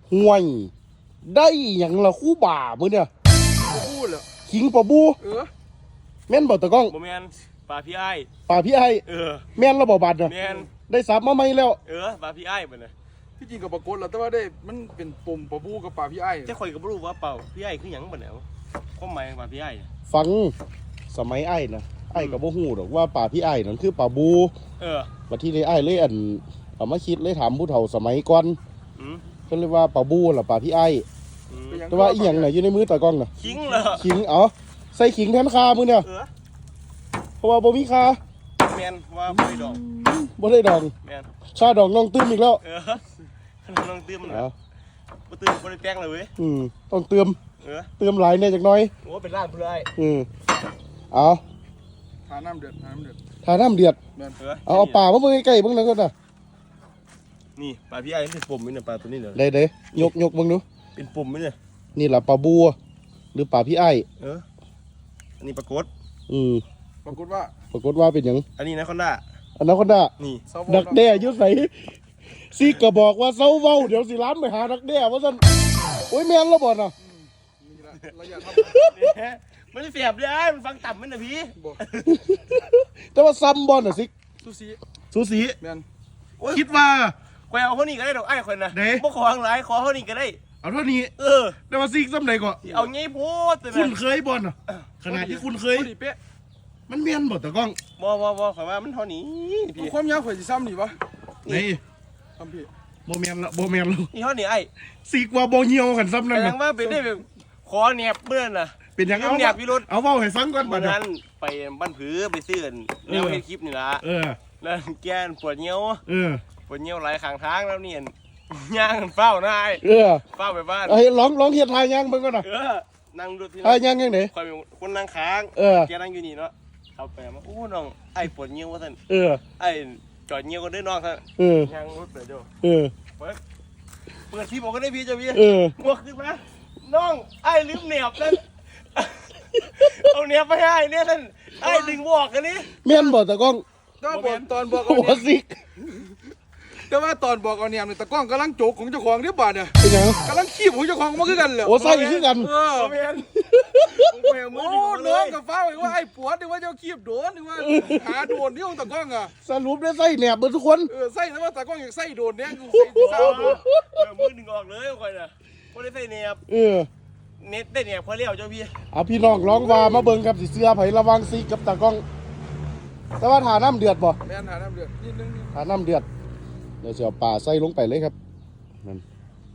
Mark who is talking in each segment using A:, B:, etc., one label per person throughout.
A: ห่วยได้อย่างละคู่บ่ามื้อเนี่ย
B: พูดเหรอ
A: ขิงปะบู แม่นบ่ตะก้อง
C: โมแมนปลาพี่ไอ้
A: ป่าพี่ไอ้ แม่นระบ่บาดเนาะ
C: แมน
A: ได้สับมาใหม่แล้ว
C: ปลาพี่ไอ้บ่เนี่ย
B: ที่จริงกับปรากฏแล้วแต่ว่าได้มันเป็นปุ่มปะบูกับปลาพี่ไอ้
C: แต่ข่อยก็บ่รู้ว่าเปล่าพี่ไอ้คือหยังบ่เนี่ยความหมายของปลาพี่ไอ้
A: ฟังสมัยไอ้นะไอ้ก็บ่ฮู้ดอกว่าป่าพี่ไอ้นั่นคือป่าบู บัดที่ได้ไอ้เลยเอามาคิดเลยถามผู้เฒ่าสมัยก่อนเพิ่นเรียกว่าป่าบูล่ะป่าพี่ไอ้แต่ว่าอีหยังน่ะอยู่ในมือตากล้องน่ะ
C: ขิงเหรอ
A: ขิงเอาใส่ขิงแทนคามื้อเนี่ยเพราะว่าบ่มีคา
C: แมนว่าบ่ได้ดอก
A: บ่ได้ดอง
C: แมน
A: ชาดองน้องตื้มอีกแล้ว
C: ลองเติมหน่อย
A: เอา
C: บ่เติมบ่ได้แป้งเลยเว้ย
A: ต้องเติมหลายแน่จักหน่อย
C: โอ้เป็นร้านเพื่อไอ้
A: เอา
B: ทาน้ำเดือด
A: ทาน้ำเดือด
B: แม่น
A: เอาป่ามาเบิ่งใกล้ๆเบิ่งหน่อยก่อนน่ะ
C: นี่ปลาพี่ไอ้เป็นปุ่มนี่เนี่ยปลาตัวนี้เนี่ย
A: ได้ๆยกเบิ่งดู
C: เป็นปุ่มนี่เนี่ย
A: นี่ล่ะป่าบูหรือป่าพี่ไอ้
C: อันนี้ปลากด
B: ปรากฏว่า
A: ปรากฏว่าเป็นหยัง
C: อันนี้นะคอนด้า
A: อนาคอนดา
C: นี่
A: ดักแด้อยุ่ใสซีก็บอกว่าเซาเว้าเดี๋ยวสิล้านไปหาดักแด้ว่าซั่นโอ้ยแม่นแล้วบ่น่ะ
B: ระยะ
C: มันเสียบเลยมันฟังต่ำมันนะพี่
B: บอก
A: แต่ว่าซ้ำบ่น่ะซิ
B: ซูซี
A: สูสี
B: แม่น
A: คิดว่า
C: คอยเอาเขานี่ก็ได้ดอกไอ้คนนะ
A: เด้
C: บ่ขอทางหลายขอเขานี่ก็ได้
A: เอาเท่านี้ แต่ว่าซิซ้ำใดก็
C: เอางี้โพดแต่
A: คุณ
C: นะ
A: เคยบ่น่ะขนาดที่คุณเคย
B: พอดีเป๊ะ
A: มันแม่นบ่ตะก้อง
C: บ่ขอยว่ามันเท่านี้พี่
B: ความยาวข่อยสิซ้ำนี่ปะ
A: นี่
B: ซ้ำพี่
A: บ่แม่นละบ่แม่นละ
C: นี่เท่านี้ไอ้
A: ซิกว่าบ่เหี่ยวกันซ้ำ
C: แส
A: นั่น
C: ด
A: น่ะ
C: งว่าเป็นได้แบบขอแนบเมื่อนน่ะ
A: เป็นหยังเอา
C: แนบพี่รถ
A: เอาเว้าให้ฟังก่อนบั
C: วั
A: ด
C: น
A: น่ะ
C: นั้นไปบ้านผือไปซื้อแนวเฮ็ดคลิปนี่ล่ะ แล้วแกนปวดเงี้ยวปวดเงี้ยวไหลข้างทางแล้วเนี่ยย่างเฝ้านายเฝ้าไปบ้าน
A: เอ้ยร้องเฮ็ดทายยังเบิ่งก่อนน่ะ
C: นั่งดูที่
A: ทายยังจังได๋
C: คอยเป็นคนนั่งค้าง แกนั่งอยู่นี่เนาะเข้าไปมาโอ้น้องไอ้ปวดเงี้ยวว่าท่านไอ้จอดเงี้ยวก็ได้น้องท่านย่างรถเปิดเดี๋ยวเปิดที่บอกก็ได้พี่เจ้าพี่บวกขึ้นมาน้องไอ้ลืมเหนียบนั่นเอาเหนียบไปให้เนี่ยท่านไอ้ดึงบอกกันนี่
A: แม่นบ่ตะก้อง
B: ตอนบอก
A: โอ้
B: เอาเนี่ย
A: ซิก
B: แต่ว่าตอนบอกเอาเนี่ยตะก้องกำลังโจกของเจ้าของเรียบบาดเนี่ย
A: เป็นหยัง
B: กำลังขี้ของเจ้าของมาคือกันเหรอ
A: โอ้ใส่คือกัน
C: เมียนมือ
B: โอ้
C: ดึงเล
B: น้อง
C: ย
B: กับฟ้าบอกว่าไอ้ปวดนึกว่าเจ้าขี้โดนนึกว่าหาโดนที่ของตะก้องอ่ะ
A: สรุปได้ใส่แหนบเบิดทุกคน
B: ใส่แต่ว่าตะก้องอยากใส่โดนเนี่ยกูใส่เท้า
C: มือดึงออกเลยคอยน่ะพอได้ใส่เนียบเน็ตได้เนียบพอเลี้ยวเจ้าพี่
A: เอาพี่น้องร้องว่ามาเบิ่งครับสิเสื้อไผระวังซิกกับตากล้อง แต่ว่าถาน้ำเดือดบ่
B: แม่นหาน้ำเดือดนิดนึง
A: ถาน้ำเดือดเดี๋ยวสิเอาปลาใส่ลงไปเลยครับนั่น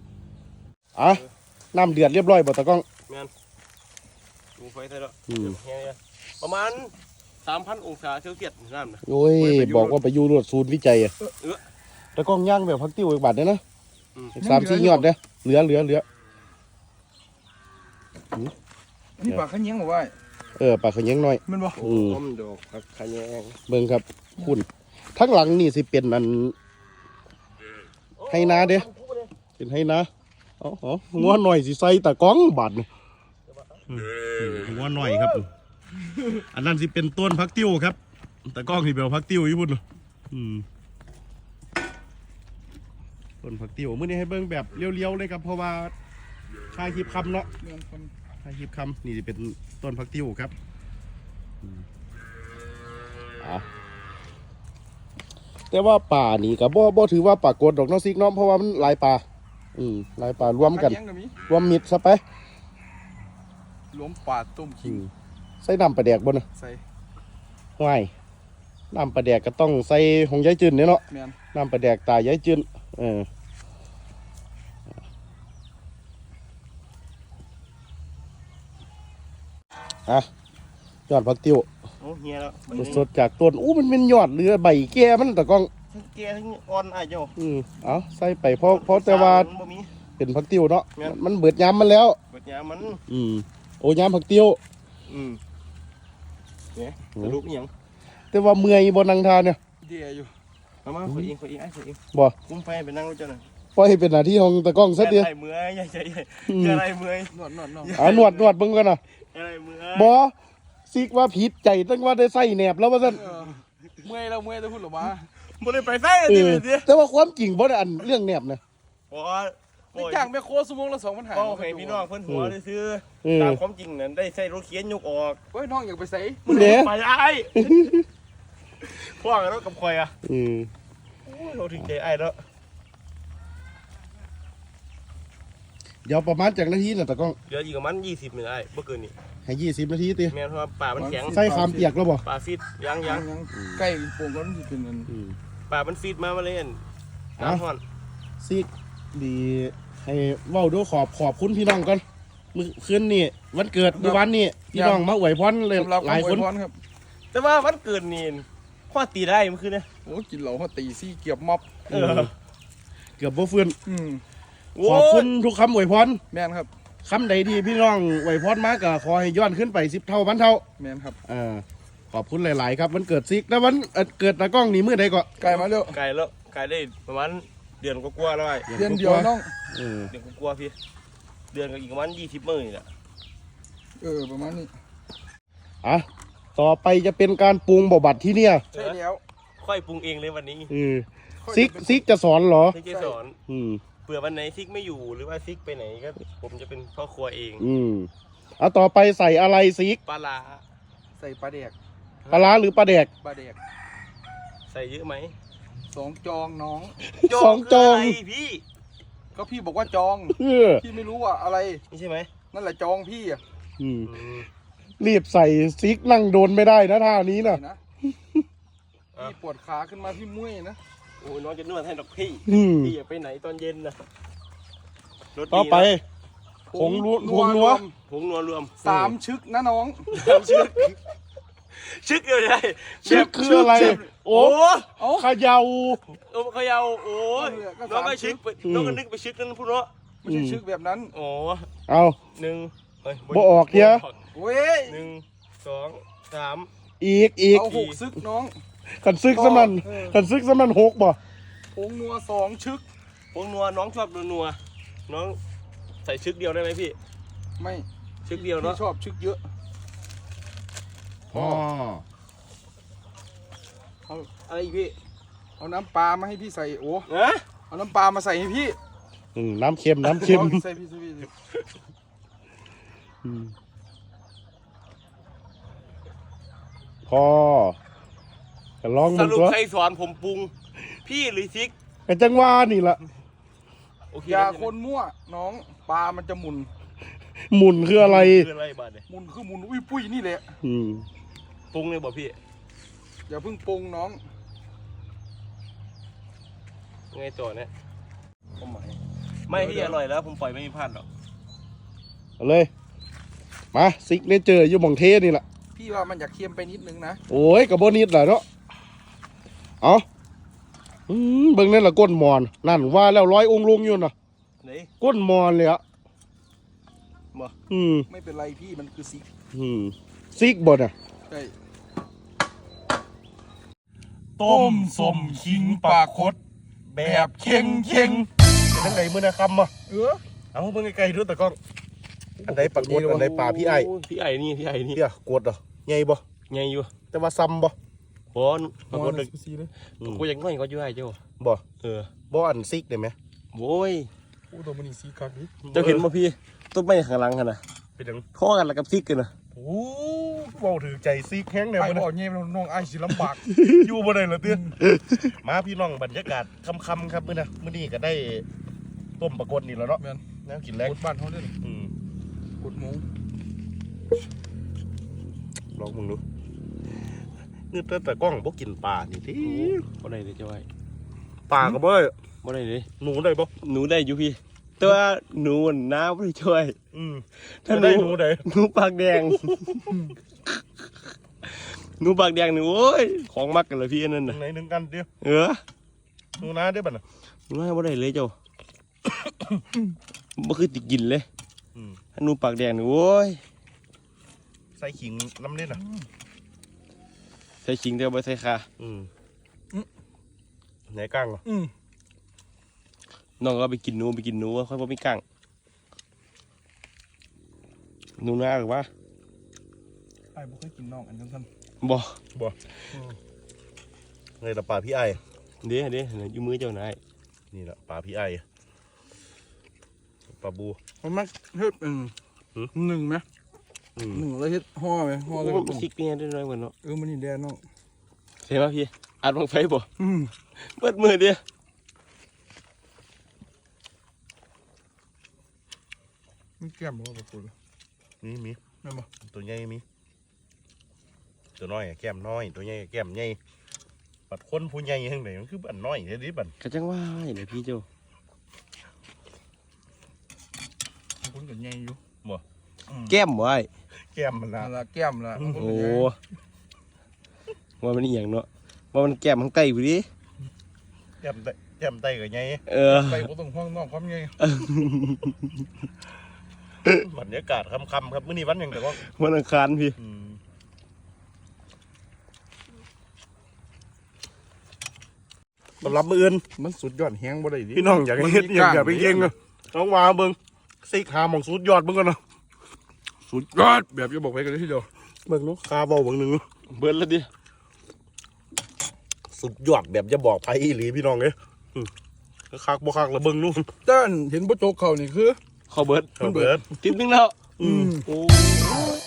A: น้ำเดือดเรียบร้อยบ่ตากล้อง
C: แม่นดูไฟใส่แล้วประมาณ 3,000 องศาเซลเซียสน้ำนะ
A: โอ้ยบอกว่าไปอยู่รวดศูนย์วิจัยอะตากล้องย่างแบบพักติ้วอีกบาทเด้อนะ3-4ยอดเด้อเหลือ
B: นี่ปากขยิ้งบอกว่า
A: ปลาขยังน้อย
B: มันบ่
C: ต้มดอกผักขะแยง
A: เบิ่งครับคุณทั้งหลังนี่สิเป็นอันให้นาเด้เป็นให้นางัวหน่อยสิใส่ตากล้องบาทนี่งัวหน่อยครับ อันนั้นสิเป็นต้นพักติ้วครับตากล้องสิเป็นพักติ้วอยู่พุ่นต้นพักติ้วมื้อนี้ให้เบิ่งแบบเลี้ยวๆเลยครับเพราะว่าชายคลิปคำเนาะชายคลิปคำนี่สิเป็นต้นพักติ้วครับแต่ว่าป่านี่ก็บ่ถือว่าป่ากดดอกน้องซิกเนาะเพราะว่ามันหลายป่าหลายป่ารวมกันรวมมิดซะไป
B: รวมปาดต้มขิง
A: ใส่น้ำปลาแดกบ่น่ะ
B: ใส่
A: ห้วยน้ำปลาแดกก็ต้องใส่ของยายจืนเนี่ยเนาะ
B: แม่น
A: น้ำปลาแดกตายายจืนยอดผักติ้ว
C: โอ้เฮียแล้ว
A: สดๆจากต้นมันเป็นยอดเรือใบแก่มันตะกล้อง
C: ทั้งแกทั้งอ่อนไอ้เจ้า
A: เอาใส่ไปเพราะแต่ว่าเป็นผักติ้วเนาะมันเบิดยามมันแล้ว
C: เปิดยามัน
A: โอ้ยามผักติ้ว
C: เนี่ยสรุปยัง
A: แต่ว่าเมื่อยบนนังทาเนี่ย
B: เดียอยู่
C: มาขอเองไอ้ขอเอง
A: บ่
C: คุ้มไฟไปนั่งรถเจ้าหน่อย
A: ปล่อยให้เป็นหน้าที่ของตะกล้องซะเดียว
C: อะไรเมื่อยใหญ่อะไรเมื่อย
B: นวด
A: นวดเบิ่งกันน่ะ
C: อะไรเมื่อย
A: บ่ซิกว่าผิดใจตั้งว่าได้ใส่แหนบแล้วว่าซั่น
B: เมื่อยแล้วพูดหรอมา
C: บ่ได้ไปไฟเลยดิ
A: แต่ว่าความจริงบ่ได้อันเรื่องแหนบนะ
C: พอ
B: นี่จ้างแม่โคชั่วโมงละ2,500
C: ก็ให้พี่น้องเพิ่นหัวซื้อตามความจริงนั้นได้ใส่รถเข็นยกออก
B: เฮ้ยน้องอยากไปใส่
A: เด้อ
C: ไปไอ้พ่วงรถกับคอยอ่ะโอ้ยเราถึงใจไอ้แล้ว
A: เดี๋ยวประมาณจากนาทีน่ะตะกล้อง
C: เดี๋ยวอีกประมาณ20นี่ไอ้บ่เกินนี่
A: ให้20 นาทีติ
C: แม่นเพราะว่าป่ามันแข็ง
A: ใส่ขามเปียกแล้วบ่
C: ป่าฟิตยัง
B: ใกล้โป่งก็มันสิเป็นอัน
C: ป่ามันฟิตมาเล่นน้ำฮ้อน
A: ซิกดีให้เว้าดูขอบคุณพี่น้องก่อนมื้อคืนนี้วันเกิดเมื่อวานนี้พี่น้องมาอวยพรเลย
B: สำหรับ
A: หลายคน
B: อวพรครับ
C: แต่ว่าวันเกิดนี่ข้อตีได้เมื่อคืนเนี่ย
B: โอ้กินเหล้าเขาตีซี่เกียบม็อบ
A: เกือบบ่ฟื้น
C: โอ้
A: ขอบคุณทุกคำอวยพร
B: แม่นครับ
A: คำใดที่พี่น้องอวยพรมาก็ขอให้ย้อนขึ้นไป10 เท่าพันเท่า
B: แม่นครับ
A: ขอบคุณหลาย ๆ ครับวันเกิดซิกแล้ววันเกิดตากล้องนี่มื้อใดก็
B: ไก่มาเร็ว
C: ไก่แล้วไก่ได้ประมาณเดือนกว่าๆแล้วไอ้
B: เดือนเดียวน้อง
C: เดือนกว่าๆพี่เดือนกับอีกประมาณ20 มื้อนี่แหละ
B: ประมาณนี้
A: อ่ะต่อไปจะเป็นการปรุงบ่บัดที่เนี่ย
B: ใช่แล้ว
C: ค่อยปรุงเองเลยวันนี้
A: ซิกจะสอนเหรอ
C: ที่จะสอนเผื่อวันไหนซิกไม่อยู่หรือว่าซิกไปไหนก็ผมจะเป็นพ่อครัวเอง
A: เอาต่อไปใส่อะไรซิก
C: ปลาร้า
B: ใส่ปลาแดก
A: ปลาร้าหรือปลาแดก
B: ปลาแดก
C: ใส่เยอะไหม
B: 2 จองน้อง
A: สองจอง
C: คืะไรพี่
B: ก็พี่บอกว่าจอง
A: เออ
B: พี่ไม่รู้ว่าอะไร
C: นี่ใช่ไหม
B: นั่นแหละจองพี่อ่ะ
A: รีบใส่ซิกนั่งโดนไม่ได้นะท่านี้นะ
B: นะพี่ปวดขาขึ้นมาพี่มุ่ยนะ
C: โอ้ยน้องจะนวดให้ดอกพี่พี่อย่าไปไหนตอนเย็นนะรถดีนะ
A: ต่อไปผงนัว
C: ผงนัวรวม
B: 3 ชึกนะน้อง
C: ชึกเดียวได้
A: ซิกคืออะไร โอ้
C: โอ้
A: เขยา
C: โอ้เขายาวโอ้ยน้องก็ชึกน้องก็นึกไปชึกนั่นพูดเนาะ
B: ไม่ใช่ชึกแบบนั้น
C: โอ้
A: เอา
C: หนึ่งเฮ้ย
A: บ่ออกเดี๋ยว
B: เว้ย
C: 1 2 3
A: อีก
B: เอา6 ชึกน้อง
A: ขันซึกสมัน6บ่
B: ผงนัว2 ชึก
C: ผงนัวน้องชอบนัวน้องใส่ชึกเดียวได้ไหมพี่
B: ไม่
C: ชึกเดียวเนาะ
B: พี่ชอบชึกเยอะ
A: อ๋อ
C: อะไรอีกพี่
B: เอาน้ำปลามาให้พี่ใส่โอ้
C: ฮะ
B: เอาน้ำปลามาใส่ให้พี่
A: น้ำเค็ม
B: ใส่พี่ใส่พี่
A: พอจะลอง
C: ส
A: มัน
C: รุป
A: ตัว
C: ใครสอนผมปรุง พี่หรือซิก
A: ไอ้จังว่านี่ล่ะ
C: โอเค
B: อย่าคนมั่วน้องปลามันจะหมุน
A: หมุนคืออะไร
C: คืออะไรบ้าเนี่ย
B: หมุนคือหมุนอุ้ยปุ้ยนี่แหละ
C: ปรุงเลยบ่พี่
B: อย่าเพิ่งปรุงน้อง
C: ไงต่อเนี่ยไม่ที่อร่อยแล้วผมปล่อยไม่มีพลาดหรอก
A: เอาเลย มาซิกเนเจอร์อยู่หม่องเทนี่แหละ
B: พี่ว่ามันอยากเค็มไปนิดนึงนะ
A: โอ้ยกับโบนิดแหละเนาะเอาเบิ่งนั่นละก้นมอนนั่นว่าแล้วร้อยองค์ลุงอยู่น่ะ
C: ไหน
A: ก้นมอนเลยอะ
C: บ่
B: ไม่เป็นไรพี่มันคือสี
A: ซิกบ่น่ะ
B: ใช่
A: ต้มสมขิงปลาคดแบบเค็งเป็นไงมื้อนะคำอ่ะเอาเบิ่งไกลๆดูตะก้องอันใดปลาคดอันใดปลาพี่ไอ้
C: พี่ไอ้นี่พี่ไอ้นี่
A: เดี๋ยวกดเหรอใหญ่บ่
C: ไงอยู่
A: แต่ว่าซ้ำบ่
C: บอลปรากฏเลย
B: สีเลย
C: กูยังง่อยก็อยู่ไอ้เจ้า
A: บ่
C: บ่
A: อันซิกได้ไหม
C: โว้ย
B: โอ้ตัวมันนี่สีคักดิ
C: เจ้าเห็นป่ะพี่ต้นไม้ข้างหลังกันนะ
A: เป็นจัง
C: ข้อกันแล้วกับซิกกันนะ
A: โอ้เว้าถือใจซิกแห้งแนว
B: ไอ้
A: บ่
B: บอกเงี้ยน้องไอ้สิลำบาก
A: อยู่บ่ได้เหรอเตี้ยมาพี่น้องบรรยากาศค่ำๆครับมื้อนี้ก็ได้ต้มปลากดนี่แล้วเนาะ
B: แม่น
A: น้ำกินแรง
B: กดบ้านเขาเลย กดหมู
A: ลองมึงดูนี่แต่กล้องบ่กินปลานี่ติ
C: บ่ได้เลยเจ้าไอ้
A: ปลาก็บ่ได้
C: บ่ได้เลย
A: หนูได้บ่
C: หนูได้อยู่พี่แต่ว่าหนูน้าไม่ได้ช่วย
A: ถ้าได้หนูได้
C: หนูปากแดง หนูปากแดงนี่โอ้ยของมักกันเลยพี่อันนั้น
A: ตร
C: น่ะ
A: งไหนหนึงกันเดียว หนูนาได้บ่น่ะ
C: หนูน้าบ่ได้เลยเจ้า บ่คือติกินเลยถ้าหนูปากแดงนี่โอ้ย
A: ใส่ขิงน้ำเล่นน่ะ
C: ใส่ชิงเดียวบ่ใส่ขา
A: ไหนกลางเหรอ
C: น้องก็ไปกินหนูค่อยบ่มีกังหนูนาหรือว่า
B: ไอ้บ่เคยกินน้องอันจังซั่น
C: บ่
A: ไงล่ะปลาพี่ไอ้
C: เด้อยู่มือเจ้านาย
A: นี่ล่ะปลาพี่ไอ้ปลาบู
B: มันมักเฮ็ดหนึ่งไหมหนึ่งแล้วเฮ็ดห่อไหมห่อแล้วก็ต้ม
C: คิกเนี่ยได้น้อยกว่าเนาะ
B: มันนี่แดนเนาะ
C: เห็นป่ะพี่อัดบังไฟบ่เปิดมือเดียว
B: มันแก้มบ่ปลาปู
A: มี
B: แม่นบ่
A: ตัวใหญ่มีตัวน้อยแก้มน้อยตัวใหญ่แก้มใหญ่บัดคนผู้ใหญ่ทั้งไหนมันคือบัดน้อยเด้ดิบัด
C: กระจังว่าเดี๋ยวพี่เจ้า
B: คนก็ใหญ่อยู่
C: แก้มไว้
A: แก้มมันละ
B: นั่นล่ะแก้มล่ะ
C: โอ้ว่ามันอีหยังเนาะว่ามันแก้มข้างใต้พี่ดิ
A: แก้มไตก็ใหญ่
B: ไปบ่ต้องห่วงน้องความใหญ่
A: บรรยากาศค่ำๆครับมื้อนี้วันหยังแต่ว่า
C: วันอังคารพี่
A: ต้อนรับมื้ออื่น
B: มันสุดยอดแฮงบ่ได้ดิ
A: พี่น้องอยากเฮ็ดอยากไปเก่งเนาะน้องมาเบิ่งซิกหาหม่องสุดยอดเบิ่งกันเนาะ
B: สุดยอดแบบจะบอกไปกันเลยทีเดียว
A: เบิ่งเนาะคาเว้าเบิ่งหนึงเนาะ
C: เบิดแล้วดิ
A: สุดยอดแบบจะบอกไผอีหลีพี่น้องเอ้ยคักบ่คักละเบิ่งนู่น
B: ด้านเห็นบ่โจกเขานี่คือ
C: เข้าเบิด
A: เบิด
C: ทิปนึงแล้ว
A: อืม
C: โอ้